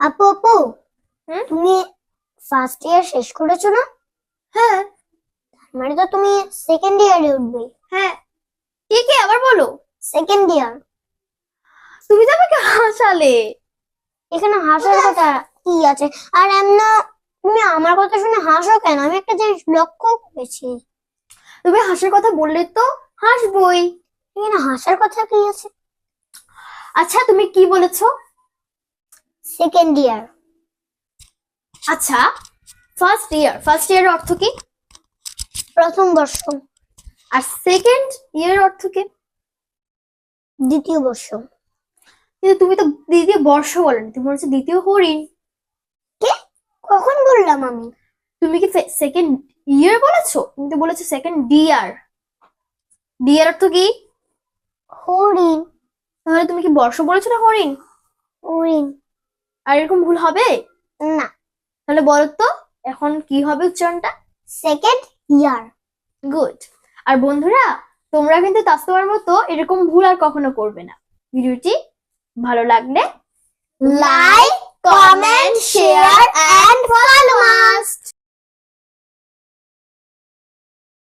আপু আপু, হুম? তুমি ফার্স্ট ইয়ার শেষ করেছো না? হ্যাঁ। মানে তো তুমি সেকেন্ড ইয়ারে উঠবে। হ্যাঁ, কে কে আবার বলো। Second year. তুমি তো আমাকে হাসালে। এখানে হাসার কথা কি আছে? আর এমন তুমি আমার কথা শুনে হাসো কেন? আমি একটা জিনিস লক্ষ্য করেছি। তুমি হাসার কথা বললে তো হাসবই। এখানে হাসার কথা কি আছে? আচ্ছা, তুমি কি বলেছো? Second year. আচ্ছা, ফার্স্ট ইয়ার অর্থ কি? প্রথম বর্ষ। আর সেকেন্ড ইয়ার অর্থ কি? দ্বিতীয় বর্ষ। কিন্তু তুমি তো দ্বিতীয় বর্ষ বলনি, তুমি বলেছো দ্বিতীয় হরিণ। কে? কখন বললাম আমি? তুমি কি সেকেন্ড ইয়ার বলেছো? তুমি তো বলেছো সেকেন্ড ডিয়ার। ডিয়ার অর্থ কি? হরিণ। তাহলে তুমি কি বর্ষ বলেছো না হরিণ? হরিণ। আর এরকম ভুল হবে? না, তাহলে বলো তো এখন কি হবে উচ্চারণটা? Second year. গুড। আর বন্ধুরা, তোমরা কিন্তু তাস্তবার মতো এরকম ভুল আর কখনো করবে না। ভিডিওটি ভালো লাগলে লাইক, কমেন্ট